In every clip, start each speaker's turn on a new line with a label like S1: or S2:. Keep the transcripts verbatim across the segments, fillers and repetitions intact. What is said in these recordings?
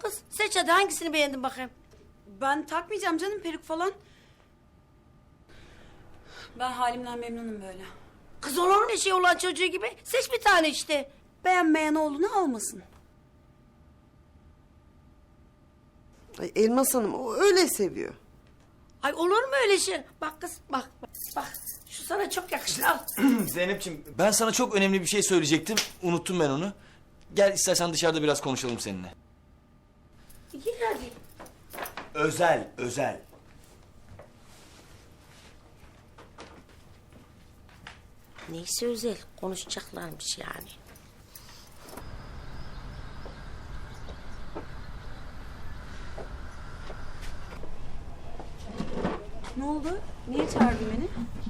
S1: kız. Seç hadi, hangisini beğendin bakayım.
S2: Ben takmayacağım canım peruk falan. Ben halimden memnunum böyle.
S1: Kız olur mu şey olan çocuğu gibi? Seç bir tane işte.
S2: Beğenmeyen oğlunu almasın.
S3: Ay Elmas Hanım o öyle seviyor.
S1: Ay olur mu öyle şey? Bak kız bak bak. Bak şu sana çok yakışır, al.
S4: Zeynep'ciğim ben sana çok önemli bir şey söyleyecektim. Unuttum ben onu. Gel istersen dışarıda biraz konuşalım seninle.
S1: Gir hadi.
S4: Özel, özel.
S1: Neyse özel, konuşacaklarmış yani.
S2: Ne oldu? Niye çağırdın beni?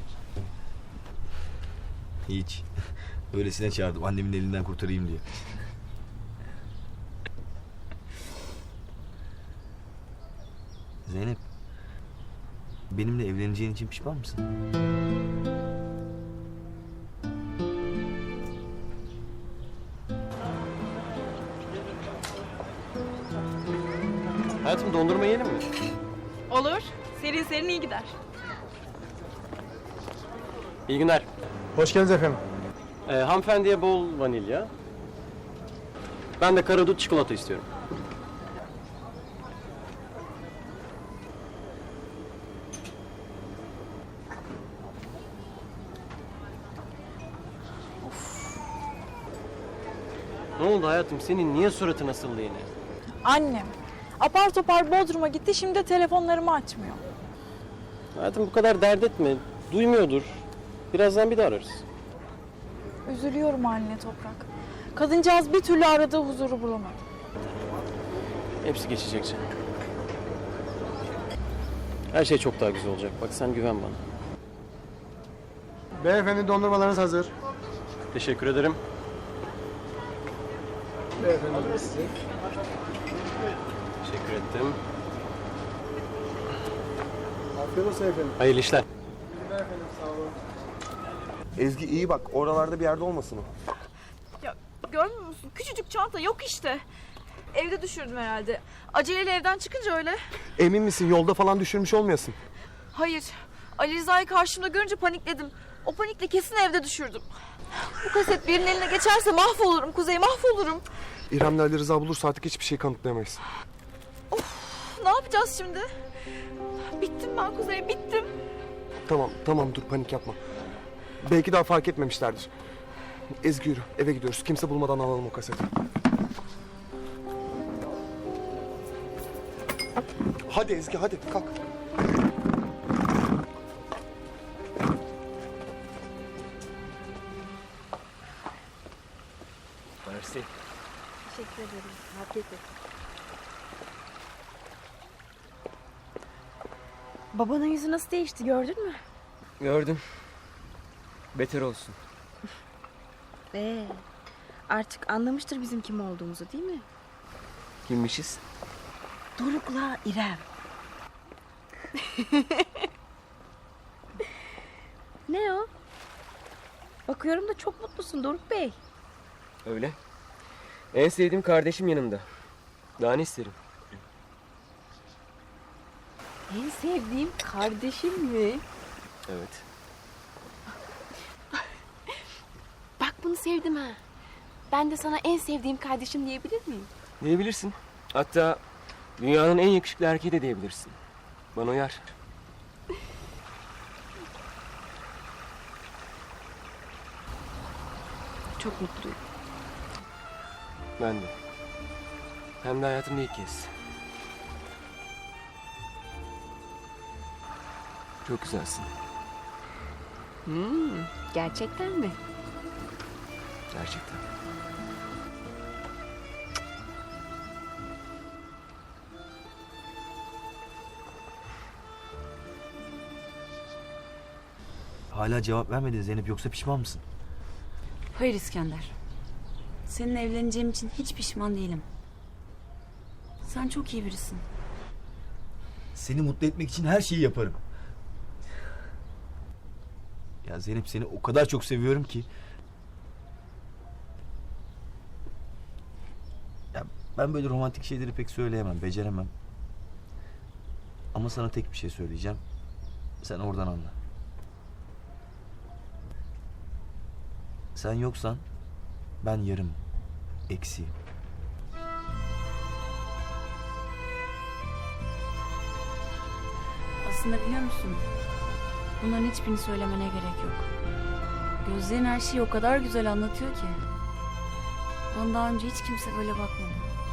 S4: Hiç. Öylesine çağırdım annemin elinden kurtarayım diye. Zeynep. Benimle evleneceğin için pişman mısın? Hayatım dondurma yiyelim mi?
S5: Olur. Serin serin iyi gider.
S6: İyi günler.
S7: Hoş geldiniz efendim.
S6: Ee, hanımefendiye bol vanilya. Ben de karadut çikolata istiyorum. Ne oldu hayatım? Senin niye suratın asıldı yine?
S5: Annem. Apar topar Bodrum'a gitti, şimdi de telefonlarımı açmıyor.
S6: Hayatım bu kadar dert etme. Duymuyordur. Birazdan bir daha ararız.
S5: Üzülüyorum anne Toprak. Kadıncağız bir türlü aradığı huzuru bulamadı.
S6: Hepsi geçecek canım. Her şey çok daha güzel olacak. Bak sen güven bana.
S7: Beyefendi dondurmalarınız hazır.
S6: Teşekkür ederim.
S7: Beyefendi de size.
S6: Teşekkür ettim.
S7: Afiyet olsun efendim.
S6: Hayırlı işler.
S7: Efendim sağ olun.
S8: Ezgi iyi bak, oralarda bir yerde olmasın o.
S5: Ya görmüyor musun? Küçücük çanta yok işte. Evde düşürdüm herhalde. Aceleyle evden çıkınca öyle.
S8: Emin misin yolda falan düşürmüş olmayasın?
S5: Hayır. Ali Rıza'yı karşımda görünce panikledim. O panikle kesin evde düşürdüm. Bu kaset birinin eline geçerse mahvolurum Kuzey, mahvolurum.
S8: İrem'le Ali Rıza bulursa artık hiçbir şey kanıtlayamayız.
S5: Ne yapacağız şimdi? Bittim ben Kuzey, bittim.
S8: Tamam, tamam dur panik yapma. Belki daha fark etmemişlerdir. Ezgi yürü, eve gidiyoruz. Kimse bulmadan alalım o kaseti. Hadi Ezgi, hadi kalk.
S4: Mersi.
S5: Teşekkür ederim. Afiyet olsun. Babanın yüzü nasıl değişti, gördün mü?
S9: Gördüm. Beter olsun.
S10: Ee, artık anlamıştır bizim kim olduğumuzu, değil mi?
S9: Kimmişiz?
S10: Doruk'la İrem. Ne o? Bakıyorum da çok mutlusun Doruk Bey.
S9: Öyle. En sevdiğim kardeşim yanımda. Daha ne isterim?
S10: En sevdiğim kardeşim mi?
S9: Evet.
S10: Bak bunu sevdim ha. Ben de sana en sevdiğim kardeşim diyebilir miyim?
S9: Diyebilirsin. Hatta dünyanın en yakışıklı erkeği de diyebilirsin. Bana uyar.
S10: Çok mutluyum.
S9: Ben de. Hem de hayatımda ilk kez. Çok güzelsin.
S10: Hmm, gerçekten mi?
S9: Gerçekten.
S4: Hala cevap vermedin Zeynep, yoksa pişman mısın?
S2: Hayır İskender. Seninle evleneceğim için hiç pişman değilim. Sen çok iyi birisin.
S4: Seni mutlu etmek için her şeyi yaparım. Ya Zeynep, seni o kadar çok seviyorum ki. Ya Ben böyle romantik şeyleri pek söyleyemem, beceremem. Ama sana tek bir şey söyleyeceğim. Sen oradan anla. Sen yoksan ben yarım, eksiğim.
S2: Aslında biliyor musun? Bunların hiçbirini söylemene gerek yok. Gözlerin her şeyi o kadar güzel anlatıyor ki. Bana daha önce hiç kimse böyle bakmadı.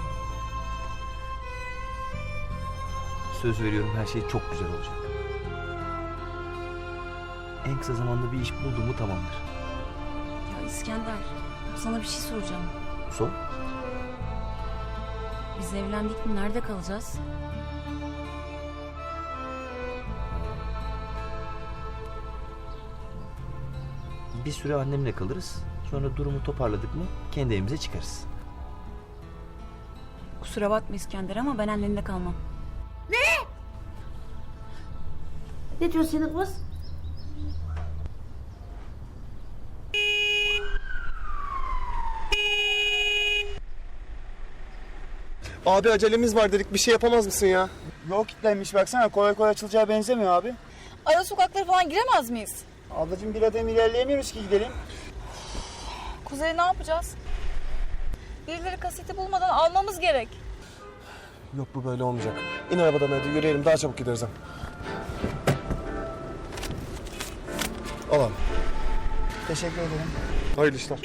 S4: Söz veriyorum, her şey çok güzel olacak. En kısa zamanda bir iş buldum mu tamamdır.
S2: Ya İskender, sana bir şey soracağım.
S4: Sor.
S2: Biz evlendik mi nerede kalacağız?
S4: Bir süre annemle kalırız. Sonra durumu toparladık mı kendi evimize çıkarız.
S2: Kusura bakma İskender ama ben annenle kalmam.
S1: Ne diyor senin kız?
S8: Abi acelemiz var dedik, bir şey yapamaz mısın ya?
S7: Yol kilitlenmiş baksana, kolay kolay açılacağı benzemiyor abi.
S5: Ara sokaklara falan giremez miyiz?
S7: Ablacığım bir adım ilerleyemiyoruz ki gidelim.
S5: Kuzey ne yapacağız? Birileri kaseti bulmadan almamız gerek.
S8: Yok, bu böyle olmayacak. İn arabadan hadi, yürüyelim, daha çabuk gideriz hem. Al abi.
S7: Teşekkür ederim.
S8: Hayırlı işler.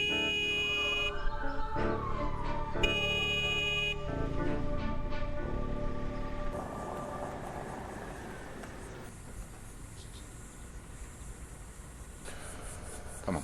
S11: Tamam.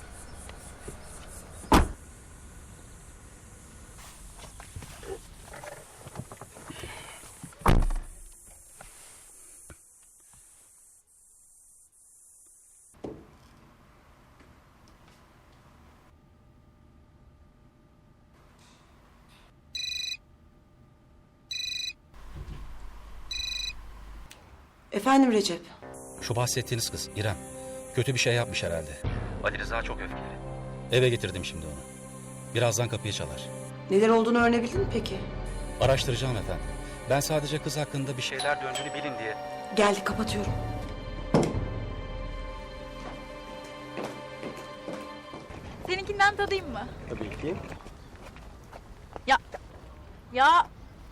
S3: Efendim Recep.
S12: Şu bahsettiğiniz kız İrem. Kötü bir şey yapmış herhalde. Ali Rıza çok öfkeli. Eve getirdim şimdi onu. Birazdan kapıyı çalar.
S3: Neler olduğunu öğrenebildin mi peki?
S12: Araştıracağım efendim. Ben sadece kız hakkında bir şeyler döndüğünü bilin diye.
S3: Geldi, kapatıyorum.
S5: Seninkinden tadayım mı?
S6: Tabii ki.
S5: Ya. Ya.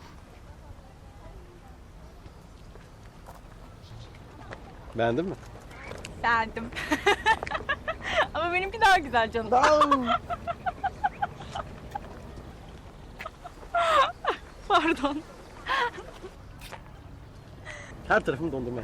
S6: Beğendin mi?
S5: Beğendim. Ama benimki daha güzel canım. Pardon.
S6: Her tarafım dondurma.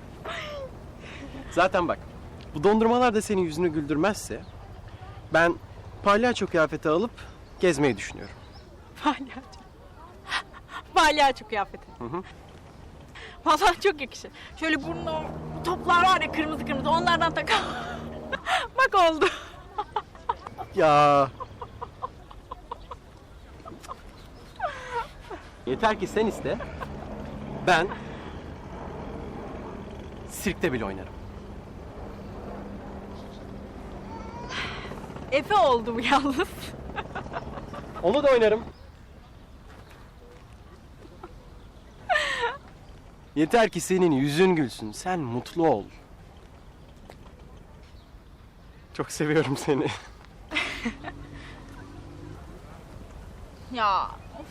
S6: Zaten bak, bu dondurmalar da senin yüzünü güldürmezse ben palyaço kıyafeti alıp gezmeyi düşünüyorum.
S5: Palyaço. Palyaço kıyafeti.
S6: Hı hı.
S5: Vallahi çok yakışır. Şöyle burnuna toplar var ya kırmızı kırmızı onlardan takar. Bak oldu.
S6: Ya. Yeter ki sen iste. Ben sirkte bile oynarım.
S5: Efe oldu bu yalnız.
S6: Onu da oynarım. Yeter ki senin yüzün gülsün. Sen mutlu ol. Çok seviyorum seni.
S5: Ya.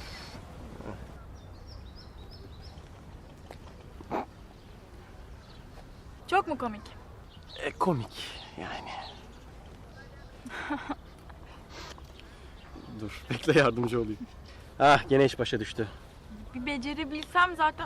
S5: Çok mu komik?
S6: E, komik yani. Dur bekle yardımcı olayım. Ah gene iş başa düştü.
S5: Bir becerebilsem zaten.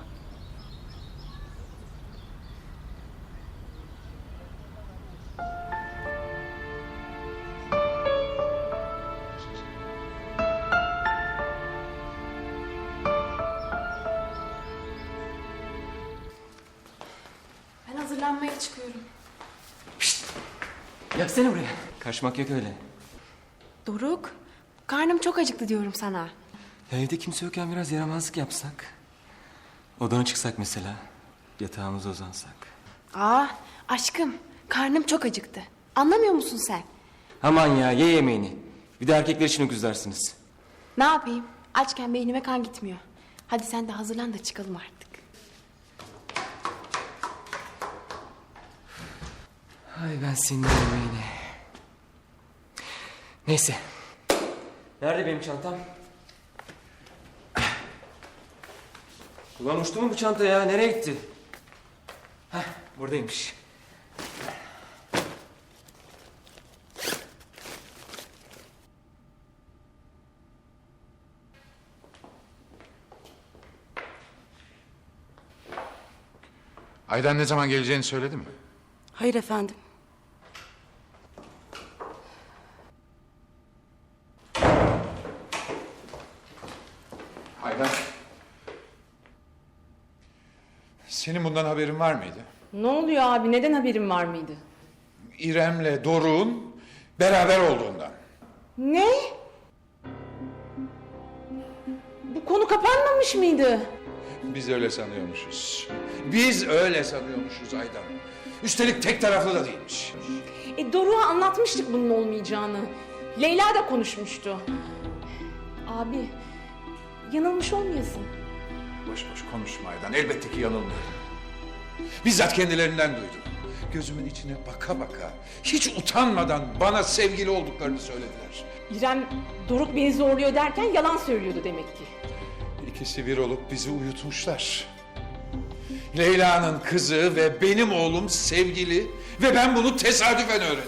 S10: Ben hazırlanmaya çıkıyorum.
S9: Yaksana buraya. Kaçmak yok öyle.
S10: Doruk, karnım çok acıktı diyorum sana.
S9: Ya evde kimse yokken biraz yaramazlık yapsak. Odana çıksak mesela. Yatağımıza uzansak.
S10: Aa, aşkım, karnım çok acıktı. Anlamıyor musun sen?
S9: Aman ya ye yemeğini. Bir de erkekler için öküzlersiniz.
S10: Ne yapayım? Açken beynime kan gitmiyor. Hadi sen de hazırlan da çıkalım artık.
S9: Ay ben senin yemeğine. Neyse. Nerede benim çantam? Ulan uçtu mu bu çanta ya? Nereye gitti? Heh, buradaymış.
S11: Aydan ne zaman geleceğini söyledi mi?
S1: Hayır efendim.
S11: Aydan. Senin bundan haberin var mıydı?
S13: Ne oluyor abi? Neden haberin var mıydı?
S11: İrem'le Doruk'un beraber olduğundan.
S13: Ne? Bu konu kapanmamış mıydı?
S11: Biz öyle sanıyormuşuz. Biz öyle sanıyormuşuz Aydan. Üstelik tek taraflı da değilmiş.
S13: E Doruk'a anlatmıştık bunun olmayacağını. Leyla da konuşmuştu. Abi, yanılmış olmayasın.
S11: Boş boş konuşma Aydan. Elbette ki yanılmıyorum. Bizzat kendilerinden duydum. Gözümün içine baka baka, hiç utanmadan bana sevgili olduklarını söylediler.
S13: İrem, Doruk beni zorluyor derken yalan söylüyordu demek ki.
S11: İkisi bir olup bizi uyutmuşlar. Leyla'nın kızı ve benim oğlum sevgili ve ben bunu tesadüfen öğreniyorum.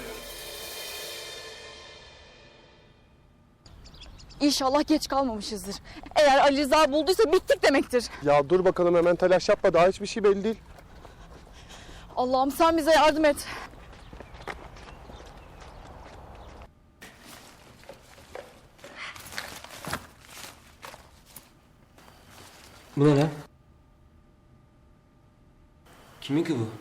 S5: İnşallah geç kalmamışızdır. Eğer Ali Rıza bulduysa bittik demektir.
S8: Ya dur bakalım, hemen telaş yapma, daha hiçbir şey belli değil.
S5: Allah'ım sen bize yardım et.
S9: Bu ne lan? Kimin ki bu?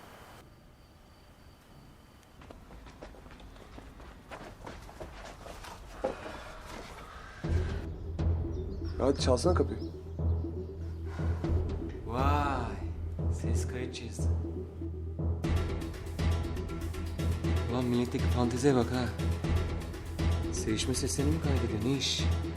S8: Hadi çalsana kapıyı.
S9: Vay, ses kayıt cihazı. Ulan milletteki fanteziye bak ha. Sevişme seslerini mi kaydediyor, ne iş?